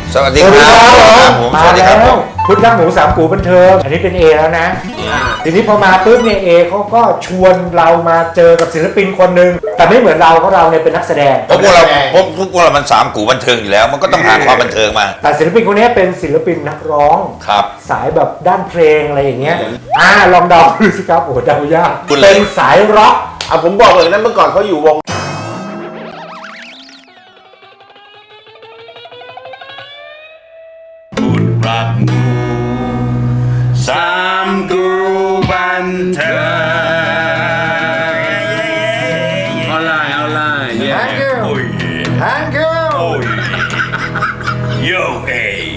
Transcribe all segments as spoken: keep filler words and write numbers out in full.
สวัสดีครับผมสวัสดีครับผมพุทธรักหมูสามกูบันเทิงอันนี้เป็น A แล้วนะทีนี้พอมาปุ๊บเนี่ยเอเขาก็ชวนเรามาเจอกับศิลปินคนหนึ่งแต่ไม่เหมือนเราเพราะเราเนี่ยเป็นนักแสดงเพราะพวกเราพวกพวกเรามันสามกูบันเทิงอยู่แล้วมันก็ต้องหาความบันเทิงมาแต่ศิลปินคนนี้เป็นศิลปินนักร้องครับสายแบบด้านเพลงอะไรอย่างเงี้ยอ่าลองเดาดูสิครับโอ้โหเดายากเป็นสายร็อกอ่ะผมบอกเลยนะเมื่อก่อนเขาอยู่วงรักหมูสามกูบันเทิงเอาไลน์เอาไลน์ Thank you Thank you โยเอ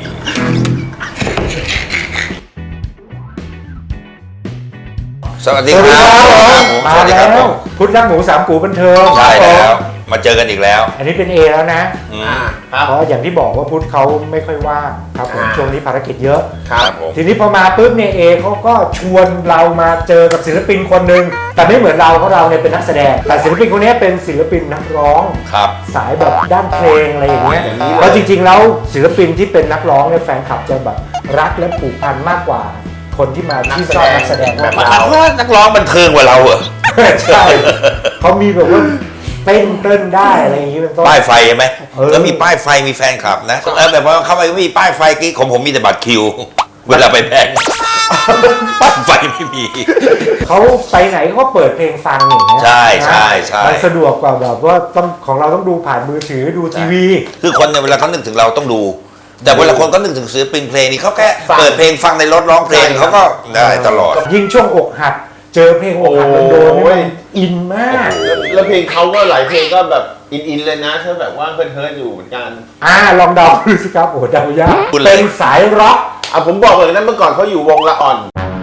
สวัสดีครับผมสวัสดีครับผมพุทธรักหมูสามกูบันเทิงใช่แล้วมาเจอกันอีกแล้วอันนี้เป็น A แล้วนะเพราะอย่างที่บอกว่าพุทธเขาไม่ค่อยว่างครับผมช่วงนี้ภารกิจเยอะครับผมทีนี้พอมาปุ๊บเนี่ย A เขาก็ชวนเรามาเจอกับศิลปินคนหนึ่งแต่ไม่เหมือนเราเพราะเราเนี่ยเป็นนักแสดงแต่ศิลปินคนนี้เป็นศิลปินนักร้องครับสายแบบด้านเพลงอะไรอย่างเงี้ยแล้วจริงๆแล้วศิลปินที่เป็นนักร้องเนี่ยแฟนคลับจะแบบรักและผูกพันมากกว่าคนที่มาที่ชอบนักแสดงแบบเราเพราะนักร้องบันเทิงกว่าเราเหรอใช่เขามีแบบว่าเต้นเต้นได้อะไรอย่างงี้เป็นต้นป้ายไฟใช่ไหมแล้วมีป้ายไฟมีแฟนคลับนะแล้วแบบว่าเข้าไปไม่มีป้ายไฟกี้ของผมมีแต่บัตรคิวเวลาไปแพงป้ายไฟไม่มีเขาไปไหนเขาเปิดเพลงฟังอย่างเงี้ยใช่ใช่ใช่มันสะดวกกว่าแบบว่าต้องของเราต้องดูผ่านมือถือดูทีวีคือคนเนี่ยเวลาเขานึกถึงเราต้องดูแต่เวลาคนก็นึกถึงศิลปินเพลงนี่เขาแค่เปิดเพลงฟังในรถร้องเพลงเขาก็ได้ตลอดยิ่งช่วงอกหักเจอเพลงอกหักมันโดนมันอินมากแล้วเพลงเขาก็หลายเพลงก็แบบอินๆเลยนะถ้าแบบว่าเฮิร์ทอยู่เหมือนกันอ่าลองเดาดูสิครับโอ้โหเดายากเป็นสายร็อกอ่ะผมบอกเลยนะเมื่อก่อนเขาอยู่วงละอ่อน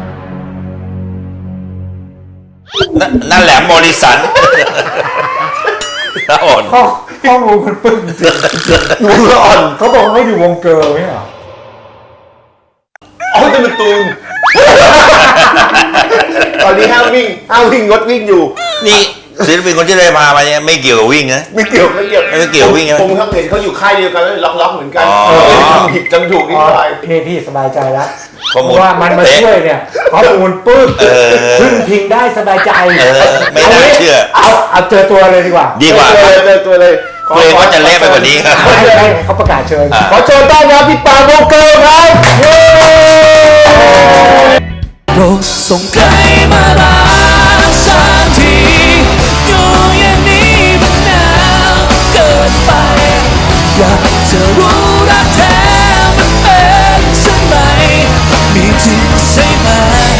นั่นแหละโมริสันละอ่อนข้อข้อมูลมันปึ้งจริงวงละอ่อนเขาบอกว่าเขาอยู่วงเกิร์ลไม่เหรออ๋อจะเป็นตูนตอนนี้ห้ามวิ่งห้ามวิ่งงดวิ่งอยู่นี่ศิลปินคนที่ได้มามาเนี่ยไม่เกี่ยวกับวิ่งนะไม่เกี่ยวไม่เกี่ยวไม่เกี่ยววิ่งนะผมเห็นเขาอยู่ค่ายเดียวกันแล้วล็อกๆเหมือนกันจำผิดจำถูกนิดหน่อยพี่พี่สบายใจแล้วเพราะว่ามันมาช่วยเนี่ยข้อมูลปึ๊บพึ่งพิงได้สบายใจไม่น่าเชื่อเอาเอาเจอตัวเลยดีกว่าดีกว่าเจอตัวเลยเกรงว่าจะเละไปกว่านี้ครับให้เขาประกาศเชิญขอเชิญต้อนรับพี่ปานวงเกิร์ลครับโปรดส่งใครมาลาสักทีอยู่อย่างนี้มันหนาวเกินไปอยากจะรู้รักแท้มันเป็นเช่นไรมีจริงใช่ไหม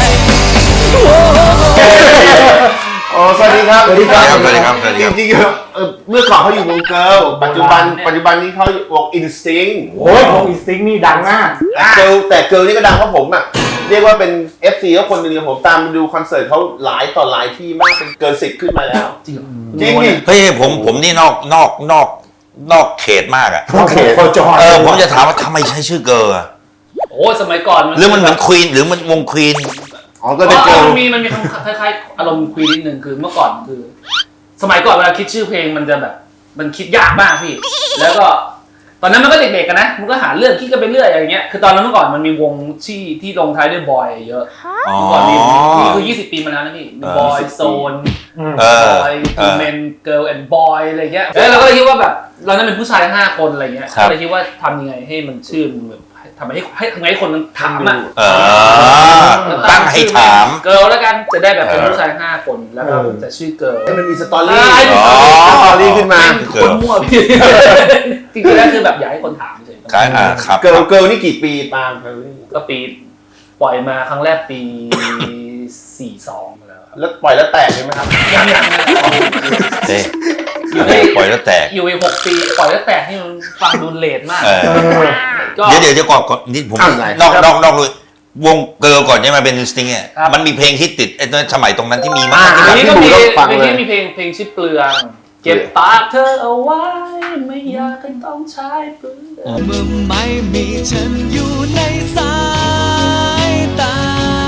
อ๋อสวัสดีครับสวัสดีครับสวัสดีครับจริงๆเมื่อก่อนเขาอยู่วงเกิร์ลปัจจุบันปัจจุบันนี้เขาวงอินสติ้งโอ้ยวงอินสติ้งนี่ดังมากเกิร์ลแต่เกิร์ลนี่ก็ดังเพราะผมอ่ะเรียกว่าเป็น เอฟ ซี ก็คนหนึ่งผมตามดูคอนเสิร์ตเขาหลายต่อหลายที่มากเป็นเกินสิบขึ้นมาแล้วจริงจริงดิเฮ้ยผมผมนี่นอกนอกนอกนอกเขตมากอ่ะนอกเขตโคจรเออผมจะถามว่าทำไมใช้ชื่อเกิร์ลอ่ะโอ้สมัยก่อนหรือมันเหมือนควีนหรือมันวงควีนอ๋อก็เป็นเกิร์ลมันมีมันมีคล้ายๆอารมณ์ควีนนิดนึงคือเมื่อก่อนคือสมัยก่อนเวลาคิดชื่อเพลงมันจะแบบมันคิดยากมากพี่แล้วก็ตอนนั้นมันก็เด็กๆกันนะมันก็หาเรื่องคิดกันไปเรื่อยอย่างเงี้ยคือตอนนั้นเมื่อก่อนมันมีวงที่ที่ลงท้ายด้วยบอยเยอะเมื่อก่อนมีนี่คือยี่สิบปีมาแล้วนะพี่บอยโซนบอยทูเมนเกิร์ลแอนด์บอยอะไรเงี้ยแล้วเราก็เลยคิดว่าแบบเรานั้นเป็นผู้ชายห้าคนอะไรเงี้ยก็เลยคิดว่าทำยังไงให้มันชื่อมันแบบทำให้ให้ทำไงให้คนมันถามอ่ะตั้งให้ถามเกิร์ลแล้วกันจะได้แบบเป็นผู้ชายห้าคนแล้วก็จะชื่อเกิร์ลให้มันมีสตอรี่สตอรี่ขึ้นมาคนมั่วพี่จริงๆแล้วคือแบบอยากให้คนถามเฉยๆเกิร์ลเกิร์ลนี่กี่ปีตามก็ปีปล่อยมาครั้งแรกปีสี่สองแล้วแล้วปล่อยแล้วแตกใช่ไหมครับยังยังเต้ปล่อยแล้วแตกอยู่อีกหกปีปล่อยแล้วแตกนี่มันฟังดูเลทมากเดี๋ยวเดี๋ยวจะก่อนนี่ผมนอกนอกนอกเลยวงเกิร์ลก่อนใช่ไหมเป็นสติงเนี่ยมันมีเพลงฮิตติดไอ้สมัยตรงนั้นที่มีมากที่นี่ก็มีเพลงที่มีเพลงเพลงชื่อเปลืองเก็บปากเธอเอาไว้ไม่อยากให้ต้องใช้เปลืองเมื่อไม่มีฉันอยู่ในสายตา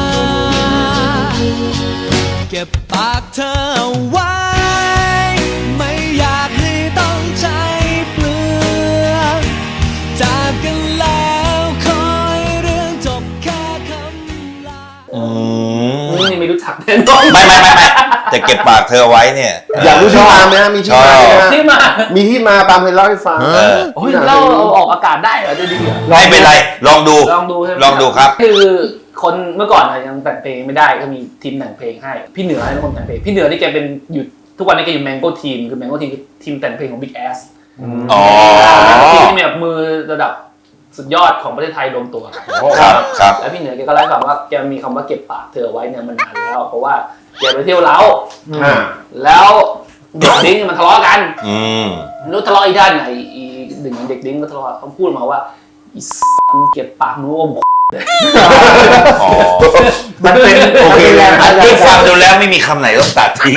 เก็บปากเธอเอาไว้ไม่อยากให้ต้องใช้เปลืองจากกันแล้วคอยเรื่องจบแค่คำลาอืมนี่ไม่รู้จักแน่นอนไม่ไม่ไม่ไม่แต่เก็บปากเธอไว้เนี่ยอยากรู้ที่มาไหมฮะมีที่มาไหมฮะที่มามีที่มาปาล์มเคยเล่าให้ฟังเออโอ้ยเราเอาออกอากาศได้เหรอจะดีเหรอไม่เป็นไร ลองดูลองดูใช่ไหมลองดูครับคือคนเมื่อก่อนอะยังแต่งเพลงไม่ได้ก็มีทีมแต่งเพลงให้พี่เหนือเป็นคนแต่งเพลงพี่เหนือนี่แกเป็นอยู่ทุกวันนี้แกอยู่แมงโก้ทีมคือแมงโก้ทีมคือทีมแต่งเพลงของ Big Ass อ๋อทีมที่มีแบบมือระดับสุดยอดของประเทศไทยรวมตัวกันครับครับแล้วพี่เหนือแกก็เล่าให้ฟังว่าแกมีคำว่าเก็บปากเธอไว้เนี่ยมันนานแล้ว เพราะว่าแกไปเที่ยวเล้าอ่าแล้วเด็กดิ้งมันทะเลาะกันอืมไม่รู้ทะเลาะอีด้านไหนอีหนึ่งในเด็กดิ้งก็ทะเลาะเขาพูดมาว่าอีสังเก็บปากนู้มอ๋อมันเป็นโอเคแรงอันบันดาที่ลใจฟังดูแล้วไม่มีคำไหนต้องตัดทิ้ง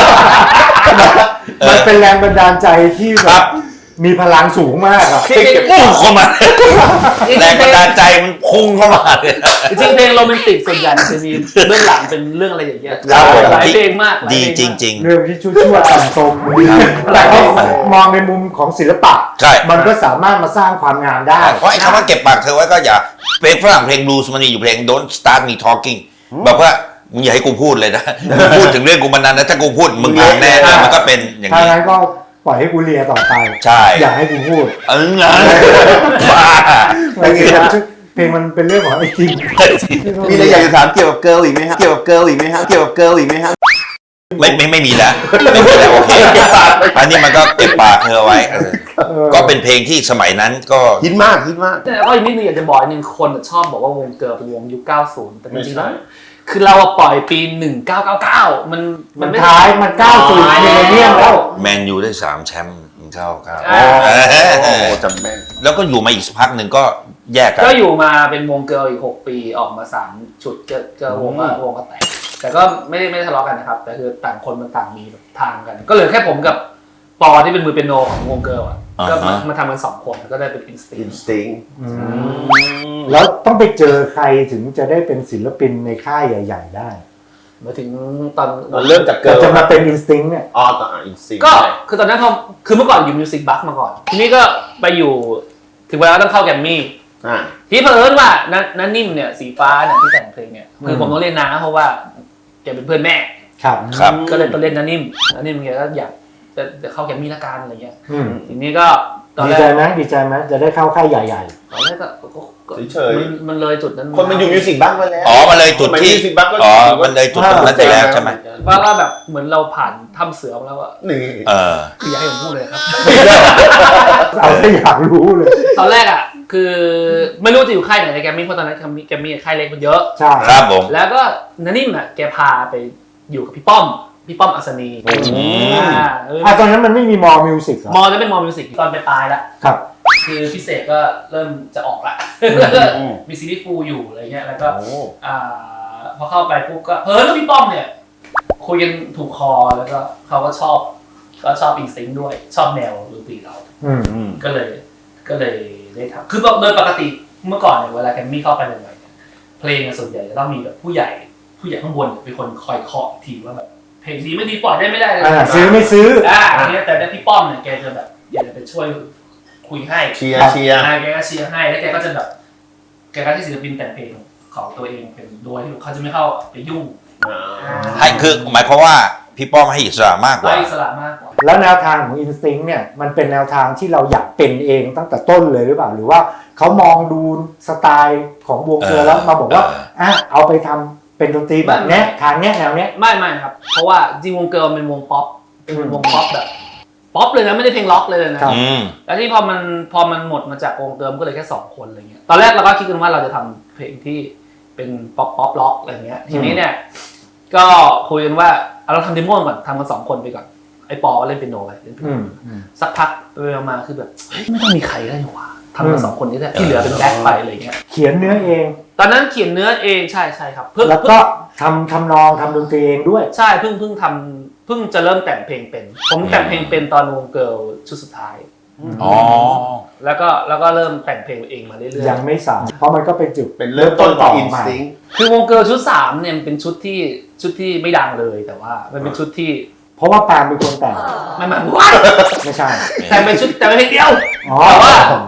มันเป็นแรงบันดาลใจที่คแบรับบ มีพลังสูงมากอะพุ่งเข้ามา แรงบันดาลใจมันพุ่งเข้ามาเลยจริงๆเพลงโรแมนติกส่วนใหญ่มันจะมีเบื้องหลังเป็นเรื่องอะไรอย่างเงี้ยครับผมหลายเพลงมากหลายดีเพลงจมากริงเรื่องที่ชั่วๆต่ำตรงแต่เขามองในมุมของศิลปะใช่มันก็สามารถมาสร้างความงามได้ๆ เพราะไอ้คำว่าเก็บปากเธอไว้ก็อย่าเพลงฝรั่งเพลงบลูส์มันมีอยู่เพลง Don't start me talking แบบว่ามึงอย่าให้กูพูดเลยนะ มึงพูดถึงเรื่องกูมานานนะถ้ากูพูดมึงพังแน่มันก็เป็นอย่างถ้านี้งั้นก็ปล่อยให้กูเลียต่อไปใช่อย่าให้กูพูดเออไงบ้าแต่เพลงมันเป็นเรื่องของไอ้จริงมีอะไรอยากจะถามเกี่ยวกับเกิร์ลอีกไหมครับเกี่ยวกับเกิร์ลอีกไหมครับเกี่ยวกับเกิร์ลอีกไหมครับไม่ไม่ไม่มีแล้วไม่มีแล้วโอเคอันนี้มันก็เก็บปากเธอไว้เออเออก็เป็นเพลงที่สมัยนั้นก็ฮิตมากฮิตมากแต่ก็อีกนิดนึงอยากจะบอกอีกนึงคนชอบบอกว่าวงเกิร์ลเป็นวงยุคเก้าสิบแต่จไม่ริงๆใช่แล้วคือเราอะปล่อยปีหนึ่งเก้าเก้าเก้ามันมันไม่ท้ายมันก้าวสู่มิลเลนเนียมแล้วแมนยูได้สามแชมป์เท่ากันอ่าโอ้โหจำแม่นแล้วก็อยู่มาอีกสักพักหนึ่งก็แยกกันก็อยู่มาเป็นวงเกิร์ลอีกหกปีออกมาสามชุดเจอเจอวงก็วงก็แตกแต่ก็ไม่ได้ไม่ได้ทะเลาะกันนะครับ แต่คือต่างคนมันต่างมีแบบทางกัน ก็เหลือแค่ผมกับปอที่เป็นมือเปียโนของวงเกิร์ลอ่ะก็มามาทำกันสองคนก็ได้เป็นอินสติอินสติ้งแล้วต้องไปเจอใครถึงจะได้เป็นศิลปินในค่ายใหญ่ ๆ ได้มาถึงตอนเริ่มจากเกิแต่ร์ลจะมาเป็นอินสติ้งเนี่ยอ๋อต่ออินสติ้งก็คือตอนนั้นพอคือเมื่อก่อนอยู่มิวสิกบัคมาก่อน ทีนี้ก็ไปอยู่ถึงเวลาต้องเข้าแกรมมี่อ่าที่เผอิญว่านันนันนิ่มเนี่ยสีฟ้าเนี่ยที่แต่งเพลงเนี่ยคือผมต้องเรียกนาเพราะว่าแกเป็นเพื่อนแม่ครับครับก็เลยต้องเล่นนันนิ่มนันนิ่มแกก็อยากจะจะเข้าแกรมมี่ละกันอะไรเงี้ยอืมทีนี้ก็ตอนดีแรใจกไหมดีใจไหมจะได้เข้าค่ายใหญ่ตอนแรกก็ก็ก็เฉยมันมันเลยจุดนั้นๆคนมันอยู่มิวสิกบ้างมาแล้วอ๋อมันเลยจุดที่มิวสิกบ้างก็อ๋อมันเลยจุดตรงนั้นไปแล้วใช่ไหมว่าว่าแบบเหมือนเราผ่านถ้ำเสือมาแล้วอะนี่เออคืออยากให้ผมพูดเลยครับๆเอาถ้าอยากรู้เลยตอนแรกอะคือไม่รู้จะอยู่ค่ายไหนในแกรมมี่เพราะตอนนั้นแกรมมี่แกรมมี่ค่ายเล็กมันเยอะใช่ครับผมแล้วก็นันนิ่มอะแกพาไปอยู่กับพี่ป้อมพี่ป้อมอัศนีอืมอ่าเอออ่ะตอนนั้นมันไม่มีมอมิวสิกเหรอมอจะเป็นมอมิวสิกตอนไปปลายแล้วครับคือพิเศษก็เริ่มจะออกละมีซีรีส์ฟูลอยู่อะไรเงี้ยแล้วก็โอ้อ่าพอเข้าไปปุ๊บก็เออแล้วพี่ป้อมเนี่ยคุยกันถูกคอแล้วก็เขาก็ชอบก็ชอบอินสติ้งด้วยชอบแนวดนตรีเราอืมก็เลยก็เลยได้ทำคือโดยปกติเมื่อก่อนเนี่ยเวลาแกรมมี่เข้าไปใหม่ๆเนี่ยเพลงส่วนใหญ่จะต้องมีแบบผู้ใหญ่ผู้ใหญ่ข้างบนเป็นคนคอยเคาะอีกทีว่าแบบเพลงดีไม่ดีปล่อยได้ไม่ได้เลยอ่าซื้อไม่ซื้ออ่าอย่างเงี้ยแต่ได้พี่ป้อมเนี่ยแกจะแบบแกจะไปช่วยคุยให้เชียร์เชียร์อ่าแกก็เชียร์ให้แล้วแกก็จะแบบแกก็ให้ศิลปินแต่งเพลงของตัวเองเป็นโดยที่เขาจะไม่เข้าไปยุ่งให้คือหมายความว่าพี่ป้อมให้อิสระมากกไล่ว่าอิสระมากกว่าแล้วแนวทางของ Instinct เนี่ยมันเป็นแนวทางที่เราอยากเป็นเองตั้งแต่ต้นเลยหรือเปล่าหรือว่าเขามองดูสไตล์ของวงเกอร์แล้วมาบอกว่าเอออ่ะเอาไปทำเป็นดนตรีแบบเนี้ยทางเนี้ยแนวเนี้ยไม่ไม่ครับ เพราะว่าจริงวงเกิร์ลเป็นวงป๊อปเป็นอืมวงป๊อปแบบป๊อปเลยนะไม่ได้เพลงล็อกเลยนะครับอืมแล้วที่พอมันพอมันหมดมาจากวงเกิร์ลก็เลยแค่สองคนอะไรเงี้ยตอนแรกเราก็คิดกันว่าเราจะทำเพลงที่เป็นป๊อปป๊อปล็อกอะไรเงี้ยทีนี้เนี่ยก็คุยกันว่าเอาเราทำเดโมก่อนทำกันสองคนไปก่อนไอ้ปอเล่นเปียโนไปเล่นเปียอืโนมอืมสักพักไปมาคือแบบเฮ้ยไม่ต้องมีใครได้หรอวะทำกันสองคนนี้แหละที่เหลือเป็นแบ็คไปอะไรเงี้ยเขียนเนื้อเองตอนนั้นเขียนเนื้อเองใช่ใช่ครับเพิ่งแล้วก็ทำทำนองทำดนตรีเองด้วยใช่เพิ่งเพิ่งทำเพิ่งจะเริ่มแต่งเพลงเป็น ผมแต่งเพลงเป็นตอนวงเกิร์ลชุดสุดท้ายอ๋อแล้วก็แล้วก็เริ่มแต่งเพลงเองมาเรื่อยยังไม่สายเพราะมันก็เป็นจุดเป็นเริ่มต้นของอินมาสติ้งๆคือวงเกิร์ลชุดสามเนี่ยมันเป็นชุดที่ชุดที่ไม่ดังเลยแต่ว่ามันเป็นชุดที่เพราะว่าปาล์มเป็นคนแต่งไม่ไม่ว้ายไม่ใช่แต่เป็นชุดแต่เป็นเพลงเดียวอ๋อแต่ว่า เป็น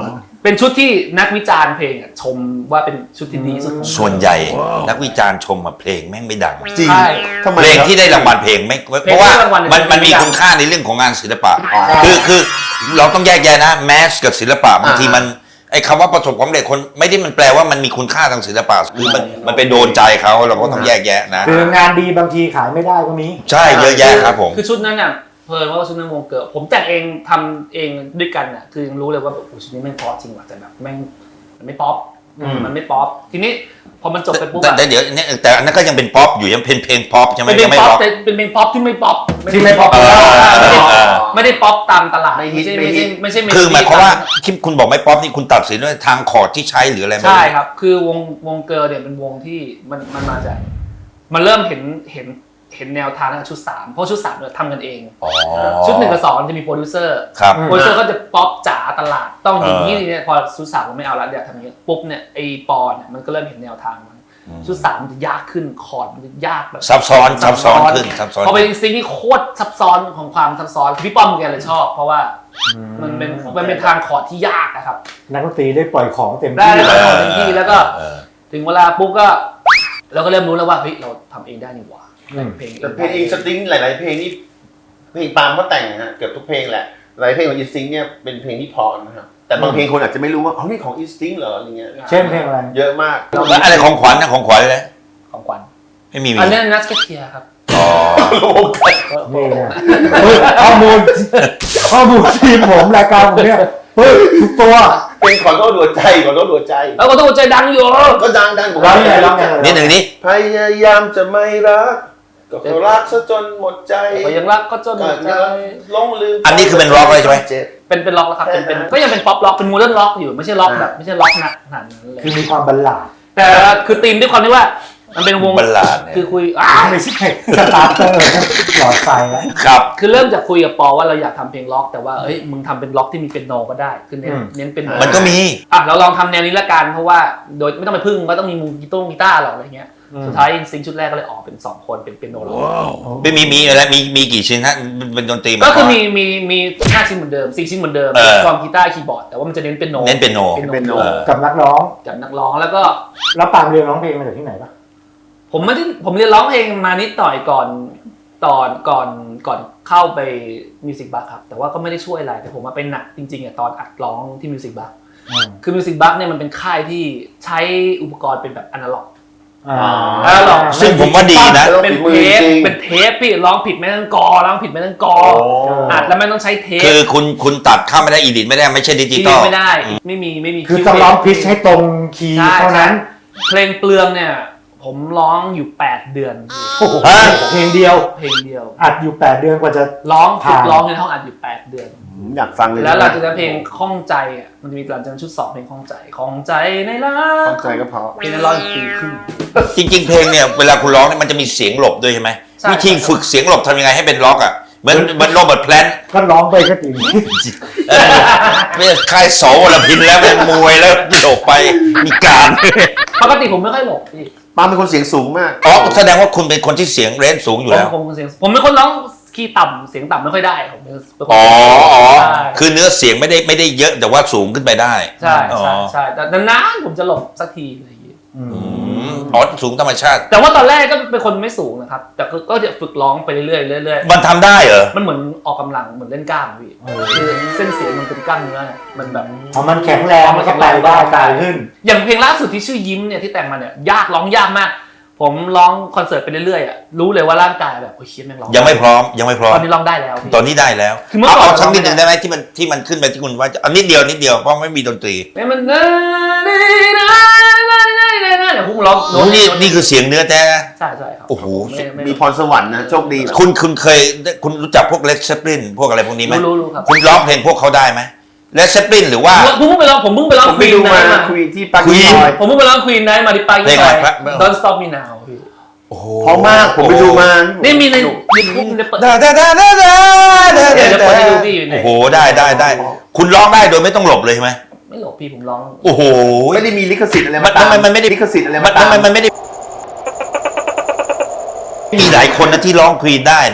เป็นชุดที่นักวิจารณ์เพลงอะชมว่าเป็นชุดที่ดีที่สุดของส่วนใหญ่นักวิจารณ์ชมมาเพลงแม่งไม่ดังจริงใช่ทำไมเพลงครับที่ได้รางวัลเพลงไม่เพราะว่าเพลงที่ได้รางวัลมันมันมีไม่ดังคุณค่าในเรื่องของงานศิลปะคือคือเราต้องแยกแยะนะแมสกับศิลปะบางทีมันไอ้คำว่าประสบความสำเร็จคนไม่ได้มันแปลว่ามันมีคุณค่าทางศิลปะคือมันมันไปโดนใจเขาเราก็ต้องแยกแยะนะคืองานดีบางทีขายไม่ได้ก็มีใช่เยอะแยะครับผมคือชุดนั้นน่ะเพลินว่าชุดนั้นวงเกิดผมแต่งเองทำเองด้วยกันน่ะคือยังรู้เลยว่าแบบโอ้ชุดนี้แม่งเพราะจริงว่ะแต่แบบแม่งมันไม่ป๊อปมันไม่ป๊อปทีนี้พอมันจบไปปุ๊บแต่อะแต่เดี๋ยวเนี่ยแต่อันนั้นก็ยังเป็นป๊อปอยู่ยังเป็นเพลงป๊อปใช่ไหมเป็นเพลยังงไม่ป๊อปป๊อปแต่เป็นเพลงป๊อปที่ไม่ป๊อปที่ไม่ป๊อปเออไม่ได้เออไม่ได้ป๊อปตามตลาดไม่ไม่ฮิตใช่ไม่ไม่ฮิใช่ตไม่ใช่คือหมายความว่าที่คุณบอกไม่ป๊อปนี่คุณตัดสินด้วยทางคอร์ดที่ใช้หรืออะไรไหมใช่ครับ คือวงวงเกิร์ลเนี่ยเป็นวงที่มันมันมาจากมันเริ่มเห็นเห็นเห็นแนวทางตั้งแต่ชุดสามเพราะชุดสามเนี่ยทำกันเองอ๋อชุดหนึ่งกับสองมันจะมีโปรดิวเซอร์ครับโปรดิวเซอร์ก็จะป๊อปจ๋าตลาดต้องอย่างนี้เออเนี่ยพอชุดสามมันไม่เอาแล้วเดี๋ยวทำอย่างนี้ปุ๊บเนี่ยไอปอนเนี่ยมันก็เริ่มเห็นแนวทางมันชุดสามมันจะยากขึ้นคอร์ดมันจะยากแบบซับซ้อนซับซ้อนขึ้นซับซ้อนพอเป็นซิงที่โคตรซับซ้อนของความซับซ้อนพี่ป้อมแกเลยชอบ เพราะว่ามันเป็นมันเป็นทางคอร์ดที่ยากนะครับนักดนตรีได้ปล่อยของเต็มได้ที่ได้คอร์ดเต็มที่แล้วก็เออถึงเวลาปุ๊บก็เราก็เริ่มรู้แล้วว่าเฮ้ยเราทำเองได้นี่หว่าแต่งเพลงแต่เพลงอินสติ้งหลาย ๆ เพลงนี่เพลงปาล์มก็แต่งนะฮะเกือบทุกเพลงแหละหลายเพลงของอินสติ้งเนี่ยเป็นเพลงที่เพราะนะครับแต่บางเพลงคนอาจจะไม่รู้ว่าอ๋อนี่ของอินสติ้งเหรออะไรเงี้ยเช่นเพลงอะไรเยอะมากแล้วอะไรของขวัญนะของขวัญเลยของขวัญไม่มีมีอันนี้นัสเกตเทียครับอ๋อนี่นะเฮ้ยข้อมูลข้อมูลทีมผมรายการผมเนี่ยเฮ้ยทุกตัวเป็นขอโทษหัวใจขอโทษหัวใจแล้วก็ต้องใจดังอยู่ก็ดังดังผมร้องยังไงร้องยังไงนี่หนึ่งนี้พยายามจะไม่รักก็เพราะรักซะจนหมดใจก็ยังรักก็จนหมก็ดใจจะหลงลืมอันนี้คือเป็นร็อกเลยใช่ไหมเจ็บเป็นเป็นล็อกแล้วครับเป็นเป็นก็ยังเป็นป๊อปล็อกเป็นโมเดิร์นล็อกอยู่ไม่ใช่ล็อกแบบไม่ใช่ล็อกหนักขนาดนั้นเลยคือมีความบัลลาดแต่คือธีมด้วยความที่ว่ามันเป็นวงบัลลาดเนี่ยคือคุยอ่าไม่ใช่สตาร์เตอร์หลอดไฟแล้วครับคือเริ่มจากคุยกับปอว่าเราอยากทำเพลงล็อกแต่ว่าเอ้ยมึงทำเป็นล็อกที่มีเป็นโนก็ได้คือเน้นอืมเน้นเป็นโนมันก็มีอ่ะเราลองทำแนวนี้ละกันเพราะว่าโดยไม่ต้องไปพึ่งว่าต้องมีมือกีตาร์กีตาร์หรอกอะไรเงี้ยสุดท้ายซิงค์ชุดแรกก็เลยออกเป็นสองคนเป็นเป็นโนล็อกไม่มีมีอะไรมีมีกี่ชิ้นฮะเป็นเป็นดนตรีมาก็คือมีมีมีห้าชิ้นเหมือนเดิมสี่ชิ้นเหมือนเดิมเออกลองกีตาร์คีย์บอร์ดแต่ว่ามันจะเน้นเป็นโนเน้นเป็นโนเป็นโนเออกับนักร้องกับนักร้องแล้วก็แล้วปาล์มเรียนร้องเพลงมาจากที่ไหนปะผมไม่ได้ผมเรียนร้องเพลงมานิดหน่อยก่อนตอนก่อนก่อนเข้าไปมิวสิกบัคครับแต่ว่าก็ไม่ได้ช่วยอะไรแต่ผมมาเป็นหนักจริงๆอ่ะตอนอัดร้องที่มิวสิกบัคคือมิวสิกบัคเนี่ยมันเป็นค่ายที่ใช้อุปกรณ์เป็นแบบอนาล็อกอ่าอนาล็อกซึ่งผมว่าดีนะเป็นเทปเป็นเทปพี่ร้องผิดไม่ต้องกอร้องผิดไม่ต้องกออัดแล้วไม่ต้องใช้เทปคือคุณคุณตัดเข้าไม่ได้อีดิทไม่ได้ไม่ใช่ดิจิที่ตอลไม่ได้ไม่มีไม่มีคือต้องร้องพิชให้ตรงคีย์เท่านั้นเพลงเปลืองเนี่ยผมร้องอยู่แปดเดือนโอ้โหเพลงเดียวเพลงเดียวอัดอยู่แปดเดือนกว่าจะร้องฝึกผ่านร้องในห้องอัดอยู่แปดเดือนผมอยากฟังเลยแล้วหลังจากนั้นเพลงข้องใจอ่ะมันจะมีหลังจากนั้นชุดสองเพลงข้องใจข้องใจในรัเข้าก ใจก็พอเพลงนั้นร้องอีกปีครึ่งจริง ๆ เพลงเนี่ยเวลาคุณร้องเนี่ยมันจะมีเสียงหลบด้วยใช่ไหมใช่วิธีฝึกเสียงหลบทำยังไงให้เป็นล็อกอ่ะเหมือนเหมือนโรเบิร์ตแพลนต์ก็ร้องไปก็ตีนี้เออไม่ใช่ค่ายโสวรพินแล้วเป็นมวยแล้วหลบไปมีการปกติผมไม่ค่อยหลบพี่ปาล์มเป็นคนเสียงสูงมากอ๋อแสดงว่าคุณเป็นคนที่เสียงเรนจ์สูงอยู่ผมแล้วผมเป็นเสียงผมเป็นคนร้องคีย์ต่ำเสียงต่ำไม่ค่อยได้ผมเป็นคนอ๋ออ๋อใช่คือเนื้อเสียงไม่ได้ไม่ได้เยอะแต่ว่าสูงขึ้นไปได้ใช่อ๋อใช่ใช่แต่นานๆผมจะหลบสักทีอะไรอย่างเงี้ยอืมอ๋อสูงธรรมชาติแต่ว่าตอนแรกก็เป็นคนไม่สูงนะครับแต่ก็ก็จะฝึกร้องไปเรื่อยๆเรื่อยมันทำได้เหรอๆมันเหมือนออกกำลังเหมือนเล่นกล้ามพี่คือเส้นเสียงมันเป็นกล้ามเนื้อเนี่ยมันแบบพอมันแข็งแรงมันก็ไปได้ไกลขึ้นอย่างเพลงล่าสุดที่ชื่อยิ้มเนี่ยที่แต่งมาเนี่ยยากร้องยากมาก ผมร้องคอนเสิร์ตไปเรื่อยๆอ่ะรู้เลยว่าร่างกายแบบโอ้ยเชี่ยแม่งร้องยังไม่พร้อมยังไม่พร้อตมอนนี้ร้องได้แล้วพี่ตอนนี้ได้แล้วคือเมื่อเอาก่อนเอาสักนิดหนึ่งได้ไหมที่มันที่มันขึ้นไปที่คุณว่าจะเอานิดเดียวนิดเดียวเพราะไม่มีดนตรีเนี่ยมันเดี๋ยวผมร้องโน้ตนี่นี่คือเสียงเนื้อแท้นะใช่ใช่ครับโอ้โหไม่ไม่มีพรสวรรค์นะโชคดีคุณคุณเคยคุณรู้จักพวกเลดเซปลินพวกอะไรพวกนี้ไหมรู้รู้ครับคุณร้องเพลงพวกเขาได้ไหมเลดเซปลินหรือว่าผมเพิ่งไปร้องผมเพิ่งไปร้องผมคไปวีนดูมานะคุยที่ปากี Queen ซอยผมเพิ่งไปร้องควีนนะมาดิปาเพลยี่งซอะไรอยครับ Don't Stop Me Now พี่โอ้โหเพราะมากผมไปดูมานี่มีในยูทูบในเปิดดาดาดาดาดาดาเดี๋ยวจะเปิดให้ดูพี่อยู่ในโอ้โหได้ได้ได้คุณร้องได้โดยไม่ต้องหลบเลยใช่ไหมไม่หลบพี่ผมร้องโอ้โหไม่ได้มีลิขสิทธิ์อะไรมัมาน ตามมันมันไม่ได้ลิขสิทธิ์อะไรมัมาน ตามมันมันไม่ได้มีหลายคนนะที่ร้องควีนได้นะ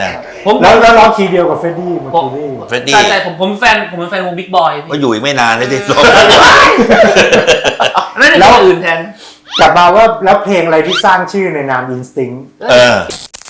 ผมแล้วแล้วร้องคีย์เดียวกับเฟรดดี้เมอร์คิวรีเฟรดดี้ใช่ใช่ผมผมแฟนผมเป็นแฟนวงบิ๊กบอยก็อยู่อีกไม่นานเลยที่ร้องนั่นเป็นอย่างอื่นแทนกลับมาว่าแล้วเพลงอะไรที่สร้างชื่อในนาม Instinct เออ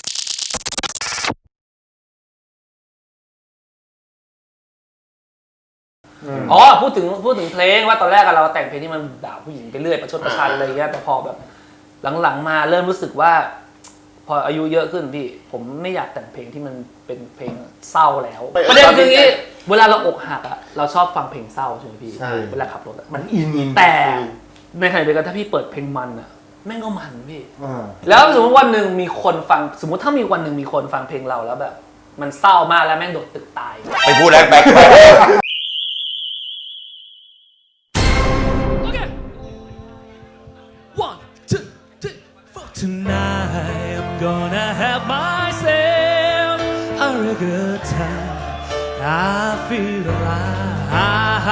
อ๋อพูดถึงพูดถึงเพลงว่าตอนแรกอะเราแต่งเพลงที่มันด่าผู้หญิงไปเรื่อยประชดประชันอะไรเงี้ยแต่พอแบบหลังๆมาเริ่มรู้สึกว่า พออายุเยอะขึ้นพี่ผมไม่อยากแต่งเพลงที่มันเป็นเพลงเศร้าแล้วประเด็นคืออย่างนี้เวลาเราอกหักอะเราชอบฟังเพลงเศร้าใช่ไหมพี่เวลาขับรถอะมันอินแต่ในขณะเดียวกันถ้าพี่เปิดเพลงมันอะแม่งก็มันพี่อ่าแล้วสมมติวันหนึ่งมีคนฟังสมมติถ้ามีวันหนึ่งมีคนฟังเพลงเราแล้วแบบ มันเศร้ามากแล้วแม่งโดดตึกตายไปพูดแล้วแบ็ค One, two, three, four. Tonight I'm gonna have myself a real good time. I feel alive,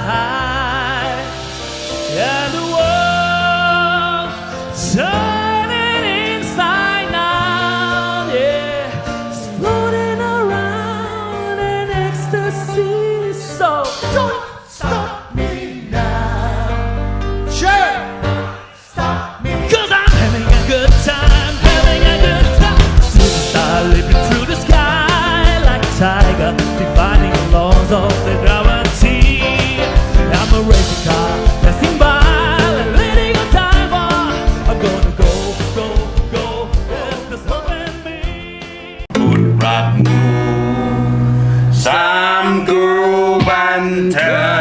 and the world turning inside now. Yeah, just floating around in ecstasy. So don't stop me now. Sure. Cause I'm having a good time, having a good time. Superstar leaping through the sky like a tiger, defying the laws of the gravity. I'm a racing car passing by, like leading a timer. I'm gonna go, go, go. Yes, there's hope in me. บุตรรักหนูสามกรูบันเทิง